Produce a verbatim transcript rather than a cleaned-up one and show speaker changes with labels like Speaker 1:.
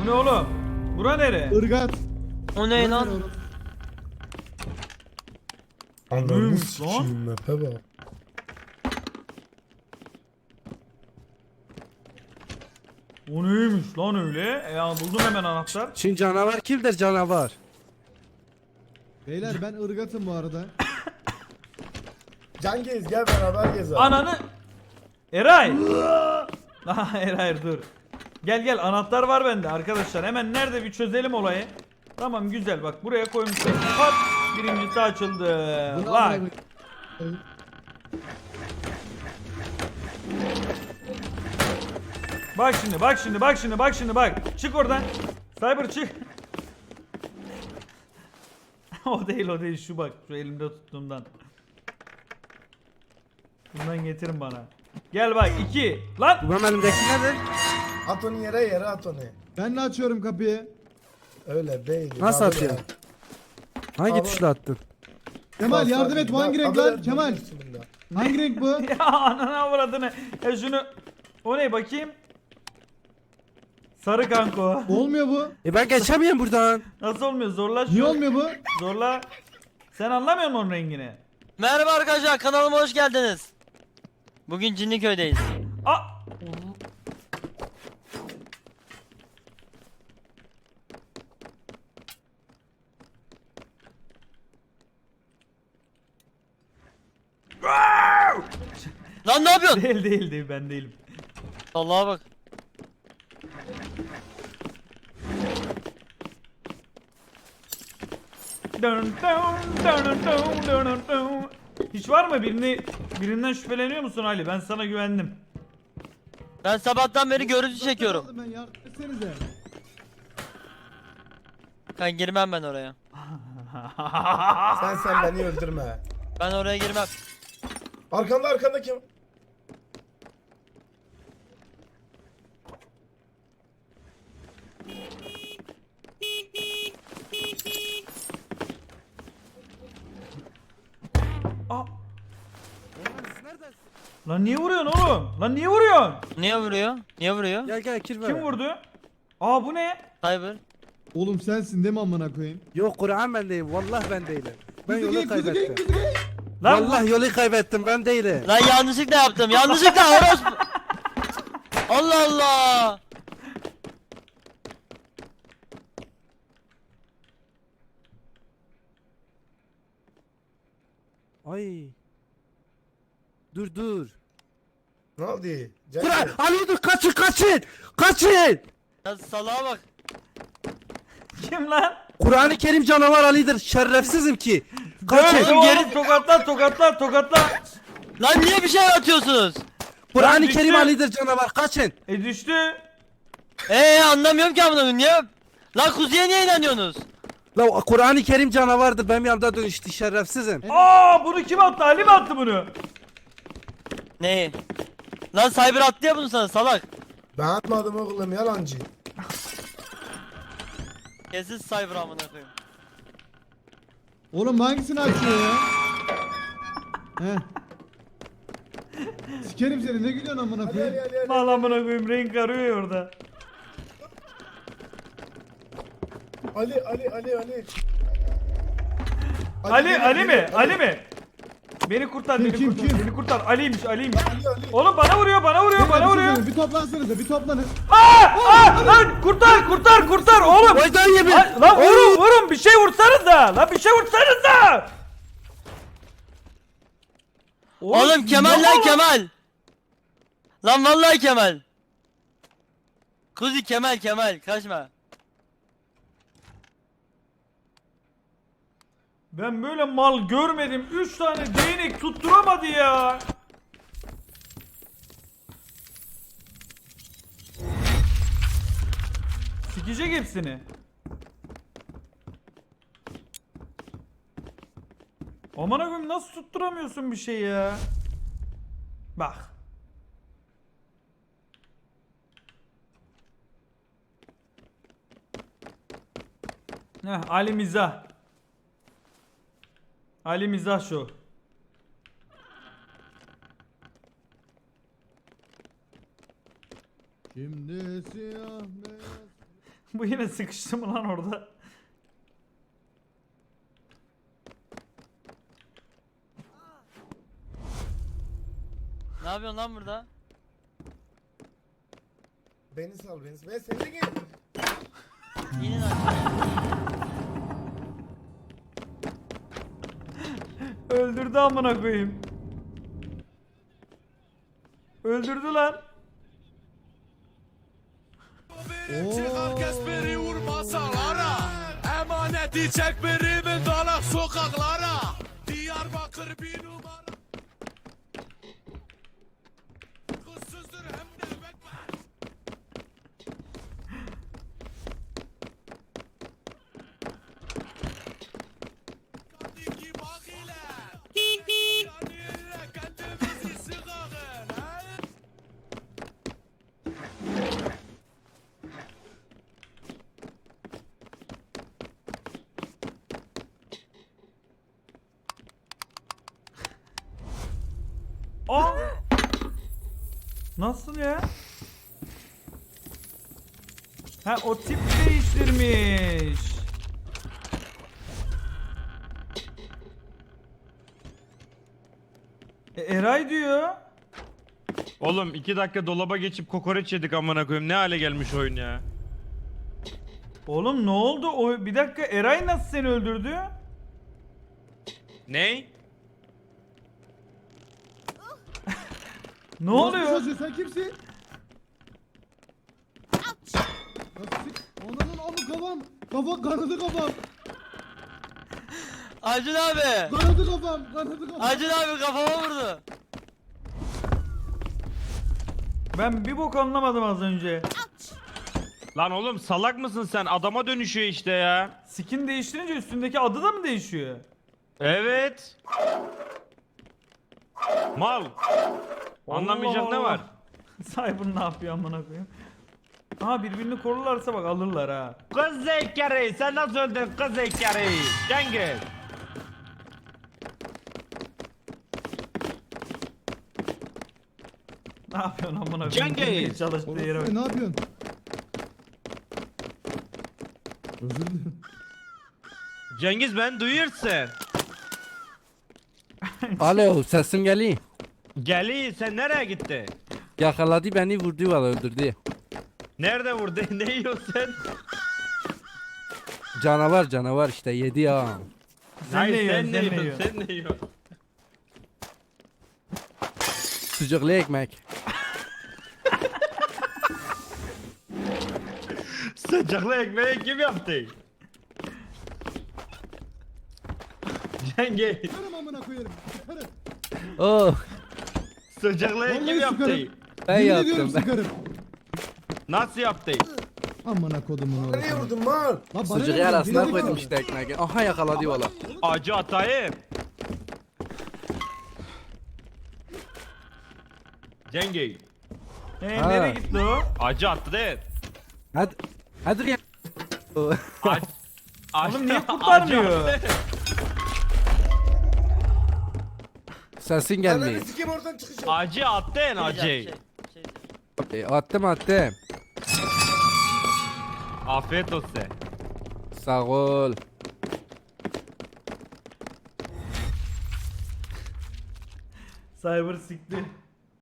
Speaker 1: ne oğlum? Bura nere?
Speaker 2: Irgat.
Speaker 3: O ne lan?
Speaker 4: Ananı
Speaker 1: Neymiş
Speaker 4: sikiyim map'e bak.
Speaker 1: O neymiş lan öyle? E ya buldum hemen anahtar.
Speaker 5: Şimdi canavar kimdir canavar?
Speaker 2: Beyler ben ırgatım bu arada.
Speaker 4: Can Gez gel beraber gezelim.
Speaker 1: Ananı... Eray! Aha Eray dur. Gel gel anahtar var bende arkadaşlar. Hemen nerede bir çözelim olayı. Tamam güzel bak buraya koymuşsun. Hop birincisi açıldı.
Speaker 2: Bunu
Speaker 1: Bak.
Speaker 2: amına koyayım.
Speaker 1: Bak şimdi bak şimdi bak şimdi bak şimdi bak. Çık oradan. Cyber çık. O değil o değil şu bak şu elimde tuttuğumdan. Bundan getirin bana. Gel bak iki. Lan.
Speaker 5: Bu benim elimdeki nedir?
Speaker 4: At onu yere yere at onu.
Speaker 2: Ben de açıyorum kapıyı.
Speaker 4: Öyle değil.
Speaker 5: Nasıl
Speaker 4: Abi
Speaker 5: atıyor?
Speaker 4: ya.
Speaker 5: Hangi
Speaker 4: Abi-
Speaker 5: tuşla attın?
Speaker 2: Kemal
Speaker 4: Bak,
Speaker 2: yardım
Speaker 4: bak,
Speaker 2: et. Bu hangi
Speaker 4: bak,
Speaker 2: renk
Speaker 4: abi,
Speaker 2: lan? Kemal.
Speaker 4: bismillah.
Speaker 2: Hangi renk bu?
Speaker 1: Ya anana avradını. Ya şunu. O ne bakayım. Sarı kanko.
Speaker 2: Olmuyor bu.
Speaker 5: E ben geçemiyorum buradan.
Speaker 1: Nasıl olmuyor? Zorla şu.
Speaker 2: Niye olmuyor bu?
Speaker 1: Zorla. Sen anlamıyor musun onun rengini?
Speaker 3: Merhaba arkadaşlar, kanalıma hoş geldiniz. Bugün Cinliköy'deyiz.
Speaker 1: Aa!
Speaker 3: Lan ne yapıyorsun?
Speaker 1: Değil değil değil ben değilim.
Speaker 3: Allah'a bak.
Speaker 1: Dun dun dun dun dun dun dun. Hiç var mı birini birinden şüpheleniyor musun Ali? Ben sana güvendim.
Speaker 3: Ben sabahtan beri görüntü çekiyorum.
Speaker 2: Ben yardım etsenize.
Speaker 3: Ben girmem ben oraya.
Speaker 4: Sen sen beni öldürme.
Speaker 3: Ben oraya girmem.
Speaker 4: Arkanda arkanda kim?
Speaker 1: Aa! Lan niye vuruyorsun oğlum? Lan niye vuruyorsun?
Speaker 3: Niye vuruyor? Niye vuruyor?
Speaker 5: Gel gel kirve.
Speaker 1: Kim vurdu? Aa bu ne?
Speaker 3: Cyber.
Speaker 2: Oğlum sensin değil mi amına koyayım?
Speaker 5: Yok Kur'an ben değilim. Vallahi ben değilim. Ben
Speaker 2: Kuzu
Speaker 5: yolu
Speaker 2: gel, kuzu gel,
Speaker 5: kaybettim.
Speaker 2: kuzu gel.
Speaker 1: Lan
Speaker 5: Vallahi yolu kaybettim ben değilim.
Speaker 3: Lan yanlışlıkla yaptım. Yanlışlıkla orospu. Allah Allah.
Speaker 5: Ay. Dur dur.
Speaker 4: Ne oldu? Can
Speaker 5: Kur'an
Speaker 4: Gez.
Speaker 5: Ali dur kaçın kaçın. Kaçın.
Speaker 3: Ya salağa bak.
Speaker 1: kim lan?
Speaker 5: Kur'an-ı Kerim canavar Ali'dir. Şerefsizim ki.
Speaker 1: Dön
Speaker 5: Kaçın.
Speaker 1: oğlum,
Speaker 3: geri-
Speaker 1: tokatla tokatla tokatla.
Speaker 3: Lan niye bir şey atıyorsunuz?
Speaker 5: Kur'an-ı
Speaker 1: düştü.
Speaker 5: Kerim Ali'dir canavar. Kaçın.
Speaker 1: E düştü.
Speaker 3: Eee anlamıyorum ki amına koyayım. Niye? Lan kuzuya niye inanıyorsunuz?
Speaker 5: La Kur'an-ı Kerim canavardır. Benim yanımda dönüştü şerefsizim.
Speaker 1: Aa bunu kim attı? Ali mi attı bunu?
Speaker 3: Neyi? Lan Cyber attı ya bunu sana salak.
Speaker 4: Ben atmadım oğlum yalancı.
Speaker 3: Kesin Cyber amına koyayım.
Speaker 2: Oğlum hangisini açıyor ya? Heh. Sikerim seni, ne gülüyorsun amına
Speaker 4: Hadi hadi
Speaker 2: koyayım?
Speaker 4: hadi. hadi.
Speaker 1: Bağlamına koyayım renk arıyor ya orada.
Speaker 4: Ali Ali Ali Ali.
Speaker 1: Ali
Speaker 4: gel,
Speaker 1: Ali
Speaker 4: gel,
Speaker 1: mi?
Speaker 4: Ali.
Speaker 1: Ali mi? Beni kurtar,
Speaker 2: Kim,
Speaker 1: beni
Speaker 2: kim,
Speaker 1: kurtar,
Speaker 2: kim?
Speaker 1: beni kurtar. Ali'ymiş, Ali'ymiş.
Speaker 4: Ali Ali.
Speaker 1: Oğlum bana vuruyor, bana vuruyor,
Speaker 2: Beyler,
Speaker 1: bana
Speaker 2: bir şey
Speaker 1: vuruyor.
Speaker 2: söyleyeyim, Bir toplansanıza, bir toplanın.
Speaker 1: Aa! Aa! Lan kurtar, kurtar, kurtar oğlum.
Speaker 5: Vay dayı yemin.
Speaker 1: Lan, lan vurun, vurun. Bir şey vursanıza. Lan bir şey vursanıza.
Speaker 3: Oğlum Kemal
Speaker 1: yok
Speaker 3: lan
Speaker 1: oğlum.
Speaker 3: Kemal. Lan vallahi Kemal. Kuzi Kemal Kemal kaçma.
Speaker 1: Ben böyle mal görmedim. Üç tane değnek tutturamadı ya. Sikecek hepsini. Aman koyayım nasıl tutturamıyorsun bir şey ya? Bak. Heh, Ali Mizah. Ali Mizah şu.
Speaker 2: Şimdi siyah beyaz.
Speaker 1: Bu yine sıkıştı mı lan orada?
Speaker 3: Ne yapıyorsun lan burada?
Speaker 4: Beni sal beni. Ben seni de gel.
Speaker 3: İnin aşağıya.
Speaker 1: Öldürdü amına koyayım. Öldürdü lan.
Speaker 2: Oo.
Speaker 6: Biri vurma sağlara, emaneti çek birimin dalak sokaklara. Diyarbakır bir numara. Kızsızdır hem de bekmez. Kadiki bak ile. Yani ile kendimizi sıkağın. he?
Speaker 1: Aa! Nasıl ya? Ha o tip değiştirmiş. E, Eray diyor.
Speaker 7: Oğlum iki dakika dolaba geçip kokoreç yedik amına koyayım. Ne hale gelmiş oyun ya?
Speaker 1: Oğlum ne oldu? O bir dakika Eray nasıl seni öldürdü?
Speaker 7: Ney?
Speaker 1: Ne
Speaker 2: Orospu
Speaker 1: oluyor?
Speaker 2: çocuğu, sen kimsin? Nasıl? Ananın amı kafam. Kafa kanadı kafam.
Speaker 3: Acun abi.
Speaker 2: Kanadı kafam. Kanadı kafam.
Speaker 3: Acun abi kafama vurdu.
Speaker 1: Ben bir bok anlamadım az önce.
Speaker 7: Lan oğlum salak mısın sen? Adama dönüşüyor işte ya.
Speaker 1: Skin değiştirince üstündeki adı da mı değişiyor?
Speaker 7: Evet. Mal. Anlamayacak
Speaker 1: Allah
Speaker 7: ne var?
Speaker 1: Allah. Cyber ne yapıyor amına koyayım? Aha birbirini korurlarsa bak alırlar ha.
Speaker 7: Kız zekeri sen nasıl öldün kız zekeri? Cengiz.
Speaker 1: Ne yapıyorsun amına koyayım?
Speaker 7: Cengiz!
Speaker 1: Girmeye çalıştığı yere bak.
Speaker 2: Orospu, ne yapıyorsun? Özür dilerim.
Speaker 7: Cengiz ben duyuyorsun.
Speaker 5: Alo sesim geliyor.
Speaker 7: Geli sen nereye gitti?
Speaker 5: Yakaladı beni vurdu valla öldürdü.
Speaker 7: Nerede vurdu? Ne yiyorsun sen?
Speaker 5: Canavar canavar işte yedi ya.
Speaker 1: Sen ne yiyorsun?
Speaker 7: sen ne
Speaker 1: Sen ne
Speaker 7: yiyorsun?
Speaker 1: yiyorsun?
Speaker 7: Sen ne yiyorsun?
Speaker 5: Sucuklu ekmek.
Speaker 7: Sıcaklı ekmeği kim yaptı? Cengiz.
Speaker 2: Sıkarım amına koyarım. Sıkarım.
Speaker 5: Oh
Speaker 7: Sıcaklı
Speaker 2: Vallahi
Speaker 7: kim yaptı?
Speaker 2: sıkarım.
Speaker 5: ben
Speaker 2: Yemin ediyorum
Speaker 5: yaptım ben.
Speaker 2: sıkarım.
Speaker 7: Nasıl yaptı?
Speaker 2: Amına kodumun
Speaker 4: Nereye
Speaker 2: orası.
Speaker 4: vurdun mal?
Speaker 2: Lan bana
Speaker 5: Sucuğu
Speaker 2: ne
Speaker 5: arasına
Speaker 2: lan?
Speaker 5: koydum işte ekmeği. Aha yakaladı valla.
Speaker 7: Acı atayım. Cengiz.
Speaker 1: Ee,
Speaker 5: Ha.
Speaker 1: nereye gitti o?
Speaker 7: Acı attı değil.
Speaker 5: Hadi. Hadi ya. Oh.
Speaker 7: Ac- ac-
Speaker 1: Oğlum niye
Speaker 7: acı
Speaker 1: kurtarmıyor?
Speaker 7: attı.
Speaker 5: Sesin
Speaker 4: Ananı
Speaker 5: gelmiyor.
Speaker 4: sikeyim oradan çıkacağım.
Speaker 7: Acı attın acı.
Speaker 3: Şey, şey.
Speaker 5: E, attım attım.
Speaker 7: Afiyet olsun.
Speaker 5: Sağ ol.
Speaker 1: Cyber sikti.